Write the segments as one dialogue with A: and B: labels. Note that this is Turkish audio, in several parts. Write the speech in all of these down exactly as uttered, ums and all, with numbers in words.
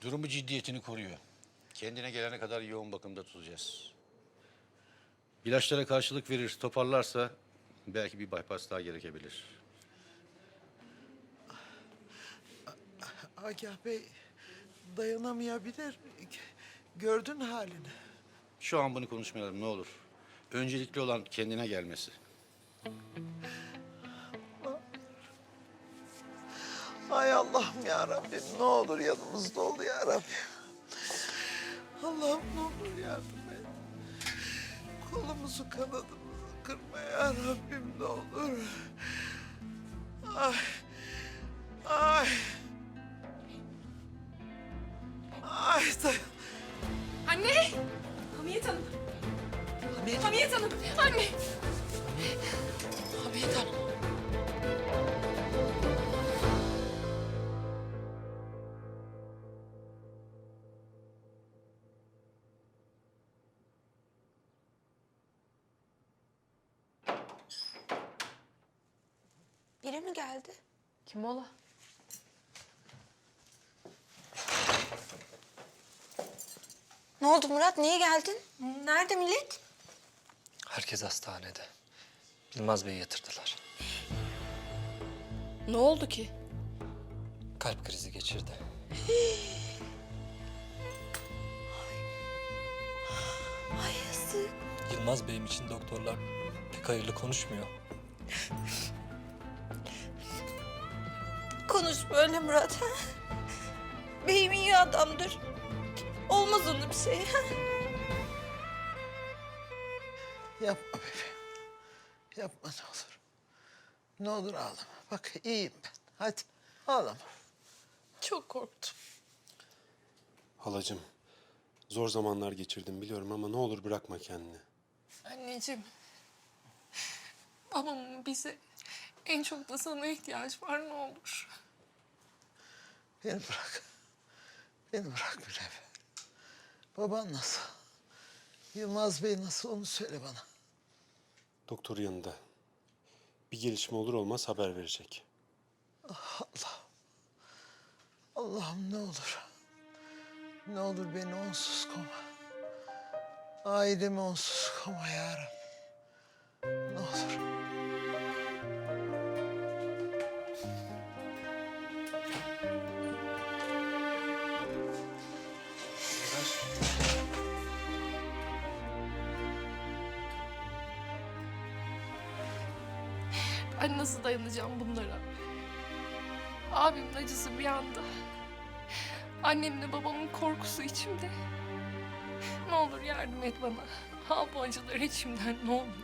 A: Durumu ciddiyetini koruyor. Kendine gelene kadar yoğun bakımda tutacağız. İlaçlara karşılık verir, toparlarsa belki bir bypass daha gerekebilir.
B: Agah Bey dayanamayabilir. Gördün halini.
A: Şu an bunu konuşmayalım ne olur. Öncelikli olan kendine gelmesi.
B: Ay Allah'ım ya Rabbim, ne olur yanımızda ol ya Rabbim. Allah'ım ne olur yardım et. Kolumuzu kanadımızı kırma ya Rabbim, ne olur. Ay. Ay. Ay dayan.
C: Anne! Hamiyet Hanım. Hamiyet, Hamiyet Hanım. Anne!
B: Hamiyet Hanım.
D: Biri mi geldi?
C: Kim ola?
D: Ne oldu Murat? Niye geldin? Nerede millet?
E: Herkes hastanede. Yılmaz Bey'i yatırdılar.
C: Ne oldu ki?
E: Kalp krizi geçirdi.
D: Ay yazık.
E: Yılmaz Bey'im için doktorlar pek hayırlı konuşmuyor.
D: Konuş böyle Murat. Ha? Beyim iyi adamdır. Olmaz ona bir şey. Ha?
B: Yapma bebeğim. Yapma ne olur. Ne olur ağlama. Bak iyiyim ben. Hadi ağlama.
C: Çok korktum.
F: Halacığım, zor zamanlar geçirdim biliyorum ama ne olur bırakma kendini.
C: Anneciğim. Babamın bize en çok da sana ihtiyaç var, ne olur.
B: Beni bırak. Beni bırak Münevver. Baban nasıl? Yılmaz Bey nasıl, onu söyle bana.
F: Doktor yanında. Bir gelişme olur olmaz haber verecek.
B: Allah'ım. Allah'ım ne olur. Ne olur beni onsuz koma. Ailemi onsuz koma ya Rabbim. Ne olur.
C: Ben nasıl dayanacağım bunlara? Abimin acısı bir yanda. Annemle babamın korkusu içimde. Ne olur yardım et bana. Al bu acıları içimden, ne olur.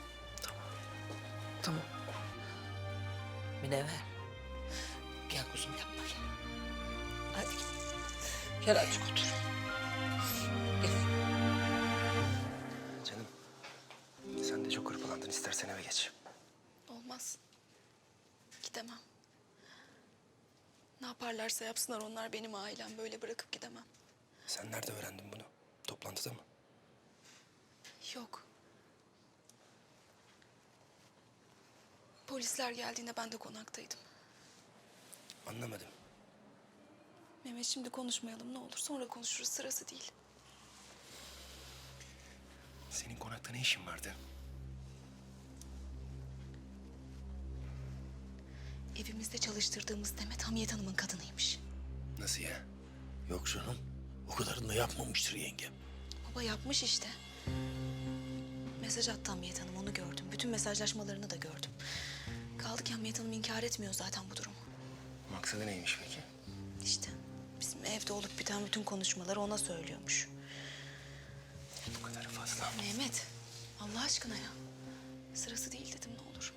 B: Tamam. Münevver. Gel kuzum yapma gel. Hadi gel. Gel azıcık otur. Gel.
E: Canım, sen de çok hırpalandın. İstersen eve geç.
C: Olmaz. Gidemem. Ne yaparlarsa yapsınlar, onlar benim ailem. Böyle bırakıp gidemem.
E: Sen nerede öğrendin bunu? Toplantıda mı?
C: Yok. Polisler geldiğinde ben de konaktaydım.
E: Anlamadım.
C: Mehmet, şimdi konuşmayalım ne olur. Sonra konuşuruz, sırası değil.
E: Senin konakta ne işin vardı?
C: Evimizde çalıştırdığımız Demet Hamiyet Hanım'ın kadınıymış.
E: Nasıl ya?
G: Yok canım. O kadarını da yapmamıştır yengem.
C: Baba yapmış işte. Mesaj attı Hamiyet Hanım, onu gördüm. Bütün mesajlaşmalarını da gördüm. Kaldı ki Hamiyet Hanım inkar etmiyor zaten bu durumu.
E: Maksadı neymiş peki?
C: İşte bizim evde olup biten bütün konuşmaları ona söylüyormuş.
E: Bu kadarı fazla.
C: Mehmet, Allah aşkına ya. Sırası değil dedim, ne olur.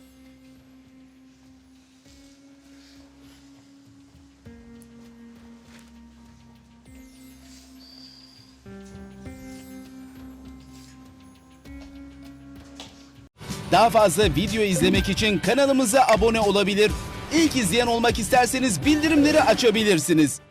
H: Daha fazla video izlemek için kanalımıza abone olabilir. İlk izleyen olmak isterseniz bildirimleri açabilirsiniz.